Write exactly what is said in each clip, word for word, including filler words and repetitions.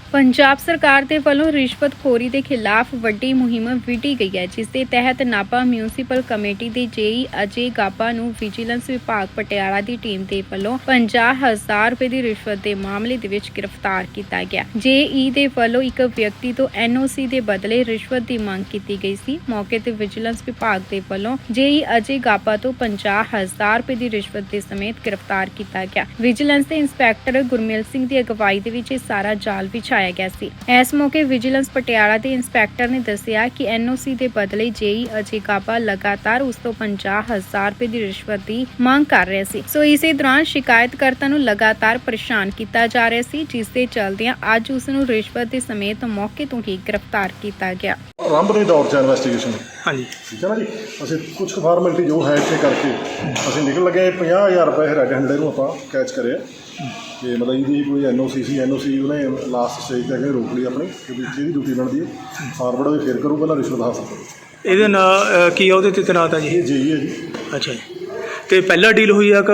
ਪੰਜਾਬ ਸਰਕਾਰ ਦੇ ਵੱਲੋਂ ਰਿਸ਼ਵਤਖੋਰੀ ਦੇ ਖਿਲਾਫ ਵੱਡੀ ਮੁਹਿੰਮ ਵਿੱਢੀ ਗਈ ਹੈ, ਜਿਸ ਦੇ ਤਹਿਤ ਨਾਭਾ ਮਿਊਨਿਸਪਲ ਕਮੇਟੀ ਦੇ ਜੇਈ ਅਜੇ ਗਾਬਾ ਨੂੰ ਵਿਜੀਲੈਂਸ ਵਿਭਾਗ ਪਟਿਆਲਾ ਦੀ ਟੀਮ ਦੇ ਵੱਲੋਂ ਪੰਜਾਹ ਹਜ਼ਾਰ ਰੁਪਏ ਦੀ ਰਿਸ਼ਵਤ ਦੇ ਮਾਮਲੇ ਦੇ ਵਿੱਚ ਗ੍ਰਿਫਤਾਰ ਕੀਤਾ ਗਿਆ। ਜੇਈ ਦੇ ਵੱਲੋਂ ਇੱਕ ਵਿਅਕਤੀ ਤੋਂ ਐਨਓਸੀ ਦੇ ਬਦਲੇ ਰਿਸ਼ਵਤ ਦੀ ਮੰਗ ਕੀਤੀ ਗਈ ਸੀ। ਮੌਕੇ ਤੇ ਵਿਜੀਲੈਂਸ ਵਿਭਾਗ ਦੇ ਵੱਲੋਂ ਜੇਈ ਅਜੇ ਗਾਬਾ ਤੋਂ ਪੰਜਾਹ ਹਜ਼ਾਰ ਰੁਪਏ ਦੀ ਰਿਸ਼ਵਤ ਦੇ ਸਮੇਤ ਗ੍ਰਿਫਤਾਰ ਕੀਤਾ ਗਿਆ। ਵਿਜੀਲੈਂਸ ਦੇ ਇੰਸਪੈਕਟਰ ਗੁਰਮੇਲ ਸਿੰਘ ਦੀ ਅਗਵਾਈ ਦੇ ਵਿੱਚ ਇਹ ਸਾਰਾ ਜਾਲ ਵਿਛਾਇਆ ਗਿਆ ਸੀ। ਇਸ ਮੌਕੇ ਵਿਜੀਲੈਂਸ ਪਟਿਆਲਾ ਦੇ ਇੰਸਪੈਕਟਰ ਨੇ ਦੱਸਿਆ ਕਿ ਐਨਓਸੀ ਦੇ ਬਦਲੇ ਜੇਈ ਅਜੇ ਗਾਬਾ ਲਗਾਤਾਰ ਉਸ ਤੋਂ ਪੰਜਾਹ ਹਜ਼ਾਰ ਰੁਪਏ ਦੀ ਰਿਸ਼ਵਤ ਦੀ ਮੰਗ ਕਰ ਰਿਹਾ ਸੀ। ਸੋ ਇਸੇ ਦੌਰਾਨ ਸ਼ਿਕਾਇਤਕਰਤਾ ਨੂੰ ਲਗਾਤਾਰ ਪਰੇਸ਼ਾਨ ਕੀਤਾ ਜਾ ਰਿਹਾ ਸੀ, ਜਿਸ ਦੇ ਚਲਦਿਆਂ ਅੱਜ ਉਸ ਨੂੰ ਰਿਸ਼ਵਤ ਦੇ ਸਮੇਤ ਮੌਕੇ ਤੋਂ ਹੀ ਗ੍ਰਿਫਤਾਰ ਕੀਤਾ ਗਿਆ। ਆਰੰਭ ਦੇ ਦੌਰ 'ਚ ਇਨਵੈਸਟੀਗੇਸ਼ਨ ਹਾਂਜੀ ਠੀਕ ਹੈ ਨਾ ਜੀ। ਅਸੀਂ ਕੁਝ ਫਾਰਮੈਲਿਟੀ ਜੋ ਹੈ ਇੱਥੇ ਕਰਕੇ ਅਸੀਂ ਨਿਕਲ ਲੱਗੇ ਪੰਜਾਹ ਹਜ਼ਾਰ ਰੁਪਏ ਰੈੱਡ ਹੈਂਡਰ ਨੂੰ ਆਪਾਂ ਕੈਚ ਕਰਿਆ ਕਿ ਮਤਲਬ ਇਹਦੀ ਕੋਈ ਐਨ ਓ ਸੀ ਸੀ ਐਨ ਓ ਸੀ ਉਹਨੇ ਲਾਸਟ ਸਟੇਜ 'ਤੇ ਅੱਗੇ ਰੋਕ ਲਈ ਆਪਣੀ ਕਿ ਵੀ ਇਹਦੀ ਡਿਊਟੀ ਬਣਦੀ ਹੈ ਫਾਰਵਰਡ ਹੋਵੇ ਫਿਰ ਕਰੂ ਪਹਿਲਾਂ ਰਿਸ਼ਵਤ ਹਾਸਲ ਕਰੂ। ਇਹਦੇ ਨਾਲ ਕੀ ਆ ਉਹਦੇ ਤੇ ਤੈਨਾਤ ਆ ਜੀ? ਇਹ ਜੇਈ ਹੈ ਜੀ। ਅੱਛਾ ਜੀ, ਅਤੇ ਪਹਿਲਾਂ ਡੀਲ ਹੋਈ ਆ ਕਿ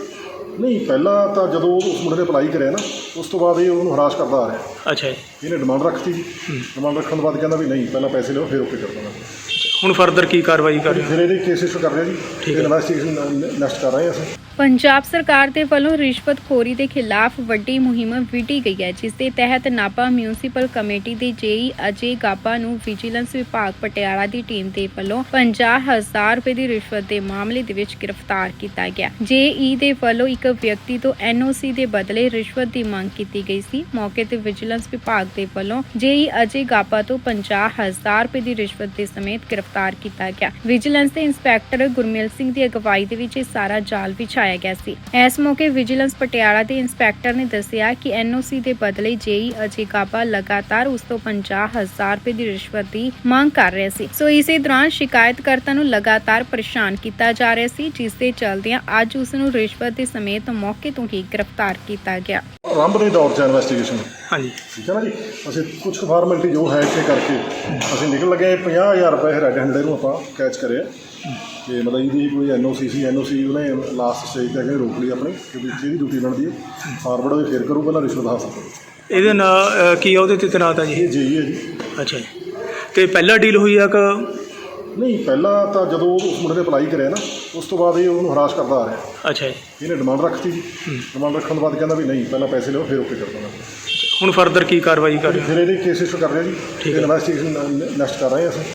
ਨਹੀਂ? ਪਹਿਲਾਂ ਤਾਂ ਜਦੋਂ ਉਸ ਮੁੰਡੇ ਨੇ ਅਪਲਾਈ ਕਰਿਆ ਨਾ ਉਸ ਤੋਂ ਬਾਅਦ ਇਹ ਉਹਨੂੰ ਹਰਾਸ ਕਰਦਾ ਆ ਰਿਹਾ। ਅੱਛਾ ਜੀ, ਇਹਨੇ ਡਿਮਾਂਡ ਰੱਖਤੀ ਜੀ। ਡਿਮਾਂਡ ਰੱਖਣ ਤੋਂ ਬਾਅਦ ਕਹਿੰਦਾ ਵੀ ਨਹੀਂ ਪਹਿਲਾਂ ਪੈਸੇ ਲਿਓ ਫਿਰ ਓਕੇ ਕਰ ਦਾਂਗਾ। ਹੁਣ ਫਰਦਰ ਕੀ ਕਾਰਵਾਈ ਕਰ ਰਹੇ ਹੋ? ਫਿਰ ਇਹਦੇ ਕੇਸ ਇਸ਼ੂ ਕਰ ਰਹੇ ਜੀ। ਠੀਕ ਹੈ। ਇਨਵੈਸਟੀਗੇਸ਼ਨ ਨੈਕਸਟ ਕਰ ਰਹੇ ਹਾਂ ਅਸੀਂ। ਪੰਜਾਬ ਸਰਕਾਰ ਦੇ ਵੱਲੋਂ ਰਿਸ਼ਵਤਖੋਰੀ ਦੇ ਖਿਲਾਫ ਵੱਡੀ ਮੁਹਿੰਮ ਵਿੱਢੀ ਗਈ ਹੈ, ਜਿਸ ਦੇ ਤਹਿਤ ਨਾਭਾ ਮਿਊਨਿਸਪਲ ਕਮੇਟੀ ਦੇ ਜੇਈ ਅਜੇ ਗਾਬਾ ਨੂੰ ਵਿਜੀਲੈਂਸ ਵਿਭਾਗ ਪਟਿਆਲਾ ਦੀ ਟੀਮ ਦੇ ਵੱਲੋਂ ਪੰਜਾਹ ਹਜ਼ਾਰ ਰੁਪਏ ਦੀ ਰਿਸ਼ਵਤ ਦੇ ਮਾਮਲੇ ਦੇ ਵਿੱਚ ਗ੍ਰਿਫਤਾਰ ਕੀਤਾ ਗਿਆ। ਜੇਈ ਦੇ ਵੱਲੋਂ ਇੱਕ ਵਿਅਕਤੀ ਤੋਂ ਐਨਓਸੀ ਦੇ ਬਦਲੇ ਰਿਸ਼ਵਤ ਦੀ ਮੰਗ ਕੀਤੀ ਗਈ ਸੀ। ਮੌਕੇ ਤੇ ਵਿਜੀਲੈਂਸ ਵਿਭਾਗ ਦੇ ਵੱਲੋਂ ਜੇਈ ਅਜੇ ਗਾਬਾ ਤੋਂ ਪੰਜਾਹ ਹਜ਼ਾਰ ਰੁਪਏ ਦੀ ਰਿਸ਼ਵਤ ਦੇ ਸਮੇਤ ਗ੍ਰਿਫਤਾਰ ਕੀਤਾ ਗਿਆ। ਵਿਜੀਲੈਂਸ ਦੇ ਇੰਸਪੈਕਟਰ ਗੁਰਮੇਲ ਸਿੰਘ ਦੀ ਅਗਵਾਈ ਦੇ ਵਿੱਚ ਇਹ ਸਾਰਾ ਜਾਲ ਵਿਛਾਇਆ ਗਿਆ ਸੀ। ਇਸ ਮੌਕੇ ਵਿਜੀਲੈਂਸ ਪਟਿਆਲਾ ਦੇ ਇੰਸਪੈਕਟਰ ਨੇ ਦੱਸਿਆ ਕਿ ਐਨਓਸੀ ਦੇ ਬਦਲੇ ਜੇਈ ਅਜੇ ਗਾਬਾ ਲਗਾਤਾਰ ਉਸ ਤੋਂ ਪੰਜਾਹ ਹਜ਼ਾਰ ਰੁਪਏ ਦੀ ਰਿਸ਼ਵਤ ਦੀ ਮੰਗ ਕਰ ਰਿਹਾ ਸੀ। ਸੋ ਇਸੇ ਦੌਰਾਨ ਸ਼ਿਕਾਇਤਕਰਤਾ ਨੂੰ ਲਗਾਤਾਰ ਪਰੇਸ਼ਾਨ ਕੀਤਾ ਜਾ ਰਿਹਾ ਸੀ, ਜਿਸ ਦੇ ਚਲਦਿਆਂ ਅੱਜ ਉਸ ਨੂੰ ਰਿਸ਼ਵਤ ਦੇ ਸਮੇਤ ਮੌਕੇ ਤੋਂ ਹੀ ਗ੍ਰਿਫਤਾਰ ਕੀਤਾ ਗਿਆ। ਆਰੰਭ ਦੇ ਦੌਰ 'ਚ ਇਨਵੈਸਟੀਗੇਸ਼ਨ ਹਾਂਜੀ ਠੀਕ ਹੈ ਨਾ ਜੀ। ਅਸੀਂ ਕੁਝ ਫਾਰਮੈਲਿਟੀ ਜੋ ਹੈ ਇੱਥੇ ਕਰਕੇ ਅਸੀਂ ਨਿਕਲ ਲੱਗੇ ਪੰਜਾਹ ਹਜ਼ਾਰ ਰੁਪਏ ਰੈੱਡ ਹੈਂਡਰ ਨੂੰ ਆਪਾਂ ਕੈਚ ਕਰਿਆ ਕਿ ਮਤਲਬ ਇਹਦੀ ਕੋਈ ਐਨ ਓ ਸੀ ਸੀ ਐਨ ਓ ਸੀ ਉਹਨੇ ਲਾਸਟ ਸਟੇਜ 'ਤੇ ਅੱਗੇ ਰੋਕ ਲਈ ਆਪਣੀ ਕਿ ਵੀ ਇਹਦੀ ਡਿਊਟੀ ਬਣਦੀ ਹੈ ਫਾਰਵਰਡ ਹੋਵੇ ਫਿਰ ਕਰੂ ਪਹਿਲਾਂ ਰਿਸ਼ਵਤ ਹਾਸਲ ਕਰੂ। ਇਹਦੇ ਨਾਲ ਕੀ ਆ ਉਹਦੇ ਤੇ ਤੈਨਾਤ ਆ ਜੀ? ਇਹ ਜੇਈ ਹੈ ਜੀ। ਅੱਛਾ ਜੀ, ਅਤੇ ਪਹਿਲਾਂ ਡੀਲ ਹੋਈ ਆ ਕਿ ਨਹੀਂ? ਪਹਿਲਾਂ ਤਾਂ ਜਦੋਂ ਉਸ ਮੁੰਡੇ ਨੇ ਅਪਲਾਈ ਕਰਿਆ ਨਾ ਉਸ ਤੋਂ ਬਾਅਦ ਇਹ ਉਹਨੂੰ ਹਰਾਸ ਕਰਦਾ ਆ ਰਿਹਾ। ਅੱਛਾ ਜੀ, ਇਹਨੇ ਡਿਮਾਂਡ ਰੱਖਤੀ ਜੀ। ਡਿਮਾਂਡ ਰੱਖਣ ਤੋਂ ਬਾਅਦ ਕਹਿੰਦਾ ਵੀ ਨਹੀਂ ਪਹਿਲਾਂ ਪੈਸੇ ਲਿਓ ਫਿਰ ਓਕੇ ਕਰ ਦਾਂਗਾ। ਹੁਣ ਫਰਦਰ ਕੀ ਕਾਰਵਾਈ ਕਰ ਰਹੇ ਹੋ? ਫਿਰ ਇਹਦੇ ਕੇਸ ਇਸ਼ੂ ਕਰ ਰਹੇ ਜੀ। ਠੀਕ ਹੈ। ਇਨਵੈਸਟੀਗੇਸ਼ਨ ਨੈਕਸਟ ਕਰ ਰਹੇ ਹਾਂ ਅਸੀਂ।